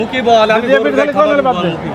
কি বল আমি গরুর গায়ে খাবার বল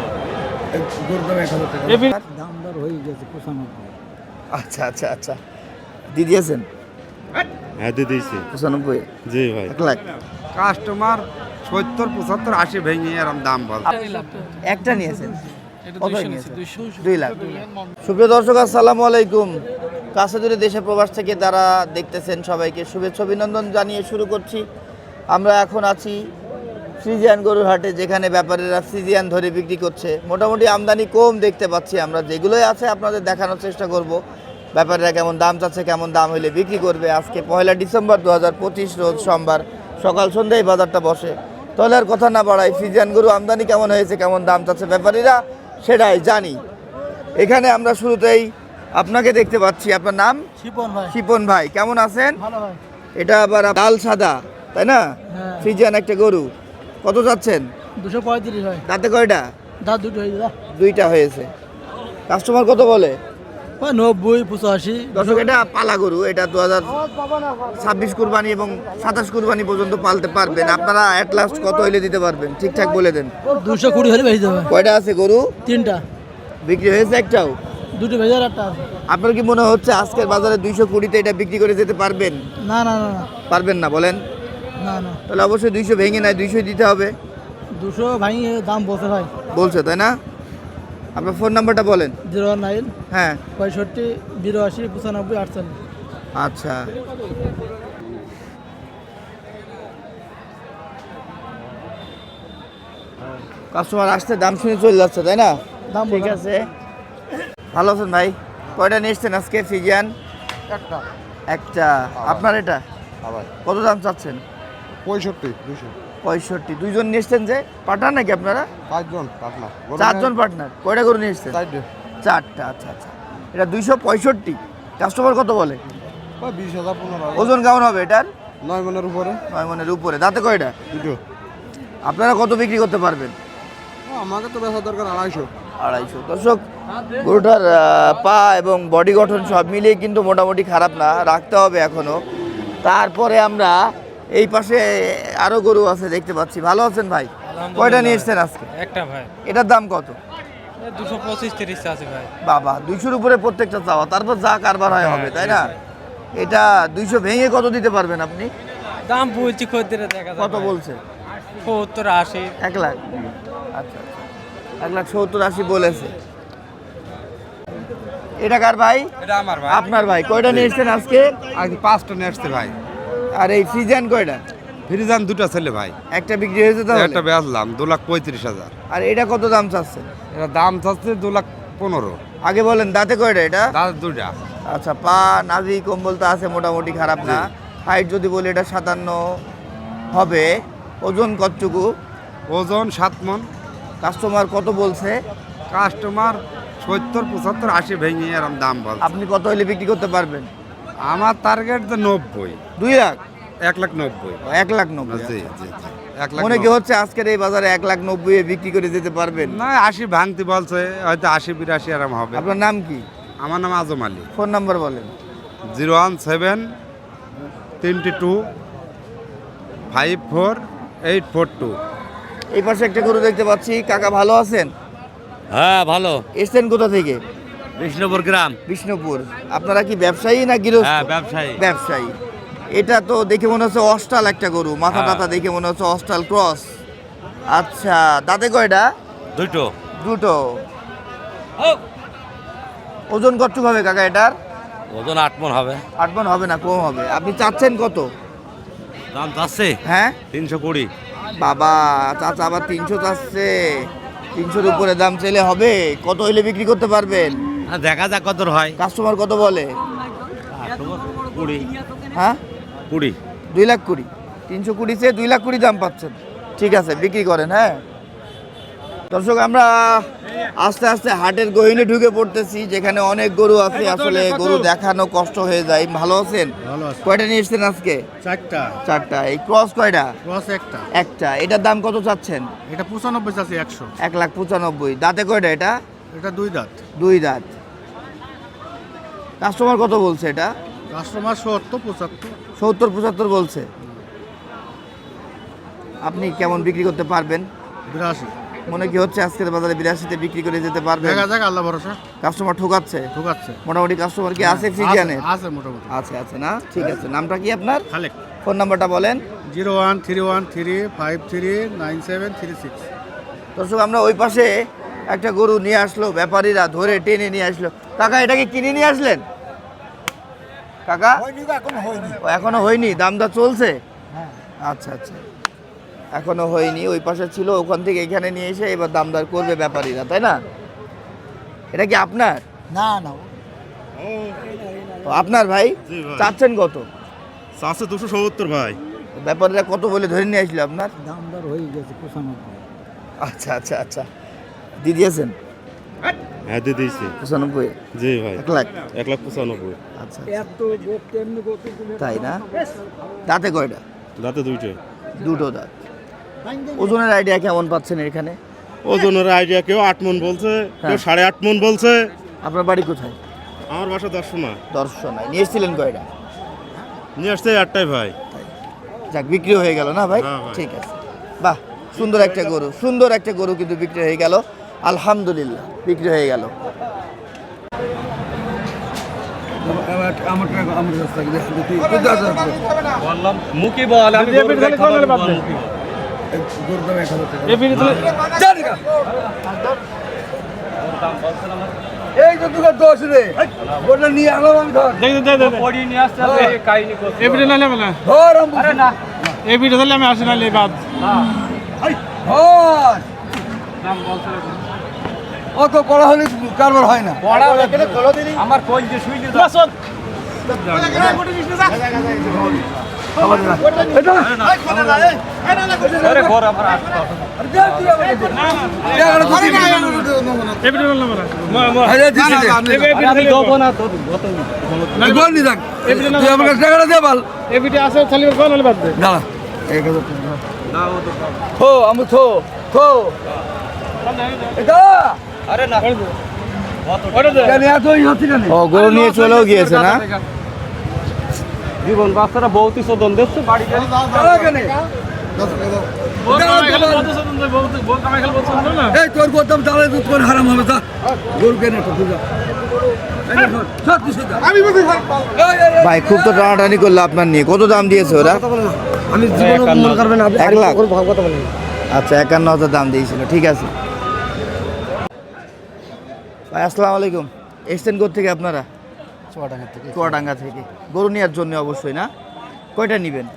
দাম দর হয়ে গেছে 95। আচ্ছা আচ্ছা আচ্ছা দিয়ে দিয়েছেন? হ্যাঁ দিয়ে দিয়েছি। 95? জি ভাই। 1 লাখ কাস্টমার 70 75 80 ভেঙে এরকম দাম বল। একটা নিয়েছেন? কত নিয়েছেন? 2 লাখ। সুপ্রিয় দর্শক আসসালামু আলাইকুম। কাছে দূরে দেশে প্রবাস থেকে যারা দেখতেছেন সবাইকে শুভেচ্ছা অভিনন্দন জানিয়ে শুরু করছি। আমরা এখন আছি ফ্রিজিয়ান গরুর হাটে, যেখানে ব্যাপারীরা ফ্রিজিয়ান ধরে বিক্রি করছে। মোটামুটি আমদানি কম দেখতে পাচ্ছি আমরা, যেগুলোই আছে আপনাদের দেখানোর চেষ্টা করব। ব্যাপারীরা কেমন দাম চাচ্ছে, কেমন দাম হইলে বিক্রি করবে। আজকে 1 ডিসেম্বর 2025 রোজ সোমবার সকাল সন্ধ্যায় বাজারটা বসে। তাহলে আর কথা না বাড়াই, ফ্রিজিয়ান গরু আমদানি কেমন হয়েছে, কেমন দাম চাচ্ছে ব্যাপারীরা, সেটাই জানি। এখানে আমরা শুরুতেই আপনাকে দেখতে পাচ্ছি। আপনার নাম? শিপন ভাই। শিপন ভাই, কেমন আছেন? ভালো ভাই। এটা আবার লাল সাদা, তাই না? হ্যাঁ। ফ্রিজিয়ান একটা গরু, কত যাচ্ছেন? 235 ভাই। তাতে কয়টা? দাঁত দুটো হয়ে গেল। 2টা হয়েছে। কাস্টমার কত বলে? 90 85। দর্শক, এটা পালা গরু, এটা 2026 কুরবানি এবং 27 কুরবানি পর্যন্ত পালতে পারবেন আপনারা। অ্যাট লাস্ট কত হইলে দিতে পারবেন? ঠিকঠাক বলে দেন। 220 হলে বেশি দেবে। কয়টা আছে গরু? 3টা। বিক্রি হয়েছে একটাও? দুটো ভেজার একটা আছে। আপনার কি মনে হচ্ছে আজকের বাজারে 220-তে এটা বিক্রি করে যেতে পারবেন? না না না না পারবেন না বলেন? না না। তাহলে অবশ্যই 200 ভেঙে নাই 200 দিতে হবে 200 ভাই দাম বসে ভাই। বলছে, তাই না? আপনার ফোন নাম্বারটা বলেন। 09 হ্যাঁ 65 82 95 48। আচ্ছা, কাস্টমার আসতে দাম শুনে চলে যাচ্ছে, তাই না? দাম ঠিক বলে। আছে। ভালো আছেন ভাই? কয়টা নিয়ে এসছেন আজকে ফ্রিজিয়ান? একটা একটা। আপনার এটা আবার কত দাম চাচ্ছেন? 65 200 65। দুইজন নিয়ে এসছেন যে, পার্টনার নাকি আপনারা? 5 জন পাটনা 4 জন পার্টনার। কয়টা করে নিয়ে এসছেন? 4টা। আচ্ছা আচ্ছা। এটা 265। কাস্টমার কত বলে? 20,000 15,000 ওজন কেমন হবে এটার? 9 মনের উপরে 9 মনের উপরে। দাঁতে কয়টা? দুটো। আপনারা কত বিক্রি করতে পারবেন? আমাকে তো বেচা দরকার 250। 250। দর্শক, গরুটার পা এবং বডি গঠন সব মিলিয়ে কিন্তু মোটামুটি খারাপ না, রাখতে হবে এখনো। তারপরে আমরা এই পাশে আরো গরু আছে দেখতে পাচ্ছি। ভালো আছেন ভাই? কয়টা নিয়ে এসছেন আজকে? একটা ভাই এটার দাম কত? 225 30 আছে ভাই। বাবা, 200-র উপরে প্রত্যেকটা চাওয়া, তারপর যা কারবার হয় হবে, তাই না? এটা 200 ভেঙে কত দিতে পারবেন আপনি? দাম বলছি খদ্দের দেখা যায় কত বলছে? 70 80। 1 লাখ। আচ্ছা আচ্ছা, 1,70,80 বলেছে। এটা কার ভাই? এটা আমার ভাই। আপনার ভাই। কয়টা নিয়ে এসছেন আজকে? আজ 5টা নিয়ে আসছে ভাই। আর এই ফ্রিজিয়ান কয়টা? ফ্রিজান দুটো ছেলে ভাই। একটা বিক্রি হয়েছে তাহলে? একটা বেচলাম 2,35,000। আর এটা কত দাম চাচ্ছে? এটা দাম চাচ্ছে 2,15,000। আগে বলেন, দাঁতে কয়টা এটা? দাদা দুটা। আচ্ছা, পা নাভি কম্বল তো আছে, মোটামুটি খারাপ না। হাইট যদি বলি এটা 57 হবে। ওজন কতটুকু? ওজন 7 মন। কাস্টমার কত বলছে? কাস্টমার 70 75 80 ভেঙে এরকম দাম বল। আপনি কত হলে বিক্রি করতে পারবেন? আমার টার্গেট তো 90। 2 লাখ? 1,90,000। 1,90,000। জি জি জি 1,90,000 মনে কি হচ্ছে আজকের এই বাজারে 1,90,000-এ বিক্রি করে যেতে পারবেন? না 80 ভাঙতে বলছে, হয়তো 80 82 এরকম হবে। আপনার নাম কি? আমার নাম আজম আলী। ফোন নাম্বার বলেন। 017 32 54 842। এই পাশে একটা গরু দেখতে পাচ্ছি। কাকা ভালো আছেন? হ্যাঁ ভালো। এসছেন কোথা থেকে? বিষ্ণুপুর গ্রাম। বিষ্ণুপুর। আপনারা কি ব্যবসায়ী না গৃহস্থ? হ্যাঁ ব্যবসায়ী। ব্যবসায়ী। এটা তো দেখে মনে হচ্ছে অস্টাল একটা গরু, মাথা হ্যাঁ। টাথা দেখে মনে হচ্ছে অস্টাল ক্রস। আচ্ছা, দাঁতে কয়টা? দুটো। দুটো। ওজন কতটুকু হবে কাকা এটার? ওজন 8 মণ হবে। 8 মণ হবে না, কম হবে। আপনি চাচ্ছেন কত? দাম চাচ্ছে হ্যাঁ 320। বাবা, চাচা আবার 300 চাচ্ছে। 300-র উপরে দাম চাইলে হবে? কত হইলে বিক্রি করতে পারবেন? হ্যাঁ দেখা যাক কত হয়। কাস্টমার কত বলে? 20। হ্যাঁ 20। 2,20,000। 320 চেয়ে 2,20,000 দাম পাচ্ছেন। ঠিক আছে, বিক্রি করেন। হ্যাঁ দর্শক, আমরা আস্তে আস্তে হাটের গহীনে ঢুকে পড়তেছি, যেখানে অনেক গরু আছে। আসলে গরু দেখানো কষ্ট হয়ে যায়। ভালো আছেন? ভালো আছে। কয়টা নিয়ে এসছেন আজকে? 4টা। 4টা। এই ক্রস কয়টা? ক্রস একটা। একটা। এটার দাম কত চাচ্ছেন? এটা 95 আছে 100। 1,95,000। দাঁতে কয়টা এটা? এটা 2 দাঁত। 2 দাঁত। কাস্টমার কত বলছে এটা? কাস্টমার 70 75। 70 75 বলছে। আপনি কেমন বিক্রি করতে পারবেন? 82 মনে কি হচ্ছে আজকের বাজারে 82-তে বিক্রি করে যেতে পারবে? দেখা যাক, আল্লাহ ভরসা। কাস্টমার ঠকাচ্ছে? ঠকাচ্ছে। মোটামুটি কাস্টমার কি আছে ফ্রিজিয়ানের? আছে মোটামুটি। আছে আছে না, ঠিক আছে। নামটা কি আপনার? খালেক। ফোন নাম্বারটা বলেন। 01313539736। দর্শক, আমরা ওই পাশে একটা গরু নিয়ে আসলো, ব্যাপারীরা ধরে টেনে নিয়ে আসলো। কাকা, এটা কি কিনে নিয়ে আসলেন? কাকা ও, এখনো হয়নি, দাম দর চলছে? আচ্ছা আচ্ছা, এখনো হয়নি। ওই পাশে ছিল, ওখান থেকে এখানে নিয়ে এসে এবার দাম দর করবে ব্যাপারীরা, তাই না? এটা কি আপনার? না না ও, আপনার ভাই? জি ভাই। চাচ্ছেন কত? আছে 270 ভাই। ব্যাপারীরা কত বলে ধরে নিয়ে আসলো আপনার? দাম দর হয়ে গেছে 95। আচ্ছা আচ্ছা আচ্ছা, দিয়ে দিয়েছেন? হ্যাঁ দিয়ে দিয়েছি। 95? জি ভাই। 1 লাখ? 1,95,000। আচ্ছা, এত গোপ তেমনি গোপ তাই না? দাঁতে কয়টা? দাঁতে দুইটাই। দুটো দাঁত। ওজনের আইডিয়া কেমন পাচ্ছেন এখানে? ওজনের আইডিয়া কেউ 8 মণ বলছে, কেউ হ্যাঁ। 8.5 মণ বলছে। আপনার বাড়ি কোথায়? আমার বাসা দর্শনা। দর্শনায়। নিয়ে এসেছিলেন কয়টা? নিয়ে আসছে 8টাই ভাই। যাক, বিক্রি হয়ে গেল না ভাই? হ্যাঁ ভাই। ঠিক আছে, বাহ, সুন্দর একটা গরু, সুন্দর একটা গরু কিন্তু বিক্রি হয়ে গেল, আলহামদুলিল্লাহ, বিক্রি হয়ে গেল। মুখি বল, আমি এই তো তোর দোষ রে ওটা নিয়ে আলো আমি ধর ধর আমি আসি না বাদ। ধর অত পড়া হলে কারবার হয় না আমার কই যে শুই দিতে ও, গরু নিয়ে চলেও গিয়েছে না? জীবন বাচ্চারা বহুতই শোধন দিচ্ছে বাড়ি তোর করতাম তাহলে দুধ করে হারাম হবে তা গরু কেন ভাই, খুব তো টানাটানি করলো আপনার নিয়ে। কত দাম দিয়েছে ওরা? আমি জীবন মনে করবেন 1 লাখ? আচ্ছা, 51,000 দাম দিয়েছিল, ঠিক আছে। ভাই আসসালামু আলাইকুম, এসছেন থেকে আপনারা? চুয়াডাঙ্গা থেকে। গরু নেওয়ার জন্য অবশ্যই না? কয়টা নেবেন?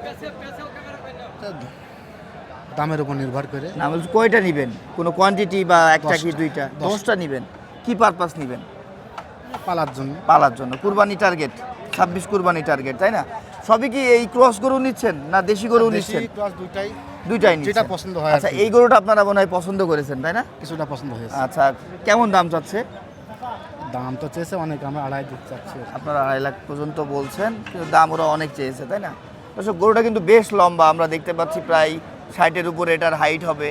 দামের উপর নির্ভর করে না বলছি কয়টা নেবেন, কোনো কোয়ান্টিটি বা একটা কি দুইটা? 10টা নেবেন। কি পারপাস নেবেন? পালার জন্য। পালার জন্য। কুরবানি টার্গেট, 26 কুরবানি টার্গেট, তাই না? সবই কি এই ক্রস গরু নিচ্ছেন না দেশি গরু নিচ্ছেন? দুইটাই নিচ্ছেন। যেটা পছন্দ হয়। আচ্ছা, এই গরুটা আপনারা মনে হয় পছন্দ করেছেন, তাই না? কিছুটা পছন্দ হয়েছে। আচ্ছা, কেমন দাম চাচ্ছে? দাম তো চেয়েছে অনেক, আমরা 2.5 দিতে চাচ্ছি। আপনারা 2.5 লাখ পর্যন্ত বলছেন, কিন্তু দাম ওরা অনেক চেয়েছে, তাই না? দর্শক, গরুটা কিন্তু বেশ লম্বা, আমরা দেখতে পাচ্ছি প্রায় 60-এর উপরে এটার হাইট হবে।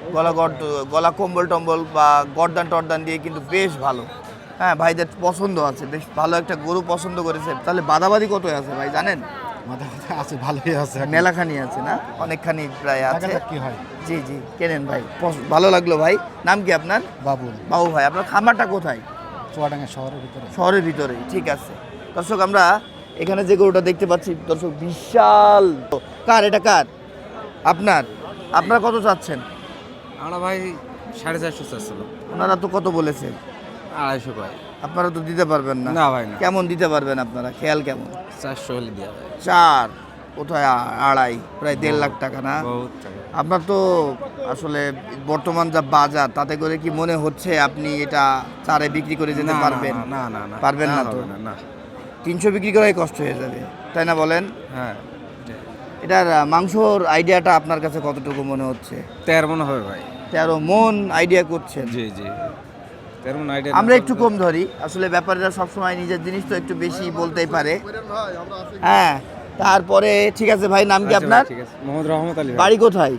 গলা কম্বল টম্বল বা গর্দান টর্দান দিয়ে কিন্তু বেশ ভালো। হ্যাঁ, ভাইদের পছন্দ আছে, বেশ ভালো একটা গরু পছন্দ করেছে। তাহলে বাদাবাদি কত আছে ভাই জানেন? আছে, ভালোই আছে। মেলাখানি আছে না? অনেকখানি প্রায় আছে। কি হয়? জি জি, কেনেন ভাই, ভালো লাগলো ভাই। নাম কি আপনার? বাবুল। বাবু ভাই, আপনার খামারটা কোথায়? চুয়াডাঙ্গা শহরের ভিতরে। শহরের ভিতরে, ঠিক আছে। দর্শক, আমরা এখানে যে গরুটা দেখতে পাচ্ছি দর্শক, বিশাল। কার এটা, কার? আপনার? আপনারা কত চাচ্ছেন? আমরা ভাই 450 চাচ্ছিল। ওনারা তো কত বলেছে? 250 ভাই। আপনারা তো দিতে পারবেন না। না ভাই না। কেমন দিতে পারবেন আপনারা? খেয়াল কেমন? 400 হলে দেওয়া যায়। 4 কোথায়? 2.5, প্রায় 1.5 লাখ টাকা না? বহুত টাকা। আপনার তো আসলে বর্তমান যা বাজার, তাতে করে কি মনে হচ্ছে আপনি এটা 4-এ বিক্রি করে যেতে পারবেন? না না না। পারবেন না তো? না। 300 বিক্রি করাই কষ্ট হয়ে যাবে, তাই না বলেন? হ্যাঁ। এটার মাংসর আইডিয়াটা আপনার কাছে কতটুকু মনে হচ্ছে? 13 মনে হবে ভাই। 13 মন আইডিয়া করছেন? জি জি। 13 মন আইডিয়া। আমরা একটু কম ধরি, আসলে ব্যাপারীরা সবসময় নিজের জিনিস তো একটু বেশি বলতেই পারে। হ্যাঁ, তারপরে ঠিক আছে ভাই, নাম কি আপনার? ঠিক আছে, মোহাম্মদ রহমত আলী। বাড়ি কোথায়?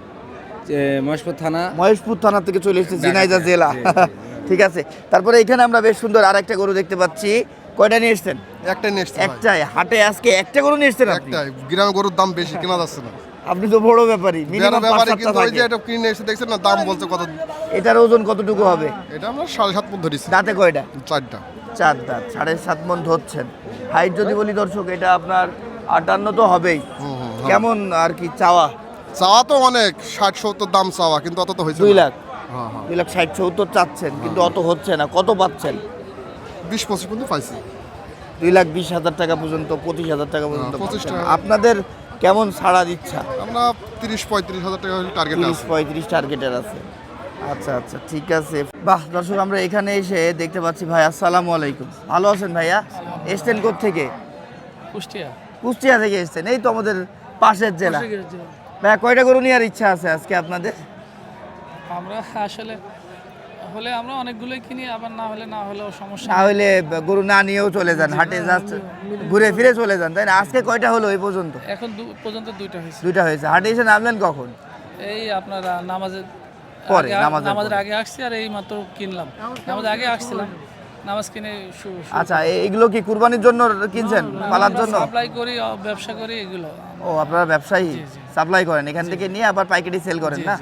মহেশপুর থানা। মহেশপুর থানা থেকে চলে এসেছে ঝিনাইদহ জেলা। ঠিক আছে। তারপরে এখানে আমরা বেশ সুন্দর আরেকটা গরু দেখতে পাচ্ছি। কয়টা নিয়ে এসেছেন? একটাই নিয়ে এসছি। একটাই? হাটে আজকে একটা গরু নিয়ে এসেছেন আপনি? একটাই। গ্রামে গরুর দাম বেশি, কেনা যাচ্ছে না। আপনি তো বড় ব্যাপারী, মিনিমাম ব্যাপারে 5-7টা কিন্তু ওই যে থাকে। এটা কিনে এসে দেখছেন না, দাম বলছে কত। এটার ওজন কতটুকু হবে? এটা আমরা 7.5 মন ধরেছি, দাঁতে কয়টা? 4টা। 4 দাঁত, 7.5 মন ধরছেন। হাইট যদি বলি দর্শক, এটা আপনার 58 তো হবেই। কেমন আর কি চাওয়া? চাওয়া তো অনেক, 60-70 দাম চাওয়া, কিন্তু অত তো হয়েছে 2 না। লাখ, হ্যাঁ হ্যাঁ, 2,60,70 চাচ্ছেন, কিন্তু অত হচ্ছে না। কত পাচ্ছেন? 20-25 পর্যন্ত পাইছি। 2,20,000 টাকা পর্যন্ত, 25,000 টাকা পর্যন্ত 25 পাচ্ছেন। টাকা। আপনাদের কেমন ছাড়ার ইচ্ছা? আমরা 30-35 হাজার টাকা টার্গেট আছে। 30-35 টার্গেটের আছে। আচ্ছা আচ্ছা, ঠিক আছে। বাহ দর্শক, আমরা এখানে এসে দেখতে পাচ্ছি ভাই, আসসালামু আলাইকুম। ভালো আছেন ভাইয়া? এসছেন থেকে? কুষ্টিয়া কুষ্টিয়া থেকে এসছেন, এই তো আমাদের পাশের জেলা। ভাইয়া কয়টা গরু নেওয়ার ইচ্ছা আছে আজকে আপনাদের? আমরা আসলে হলে আমরা অনেকগুলোই কিনি, আবার না হলেও সমস্যা না হলে গরু না নিয়েও চলে যান, হাটে জাস্ট ঘুরে ফিরে চলে যান, তাই না? আজকে কয়টা হলো এই পর্যন্ত? এখন পর্যন্ত 2টা হয়েছে। 2টা হয়েছে। হাটে এসে নামলেন কখন? এই আপনার নামাজের পরে, নামাজের আগে আসছি, আর এই মাত্র কিনলাম। নামাজের আগে আসছিলাম, নামাজ কিনে আচ্ছা, এগুলো কি কুরবানির জন্য কিনছেন, পালার জন্য? সাপ্লাই করি, ব্যবসা করি এগুলো। ও, আপনারা ব্যবসায়ী, সাপ্লাই করেন এখান থেকে নিয়ে আবার পাইকারি সেল করেন না?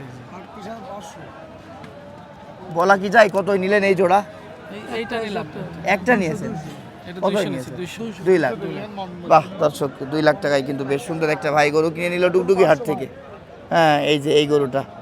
বলা কি যায় কতই নিলেন এই জোড়া? এইটা নিলাম, একটা নিয়েছেন? এটা কতই 200 নিয়েছেন? 200। 2 লাখ। বাহ দর্শক, 2 লাখ টাকায় কিন্তু বেশ সুন্দর একটা ভাই গরু কিনে নিল ডুগডুগি হাট থেকে। হ্যাঁ, এই যে এই গরুটা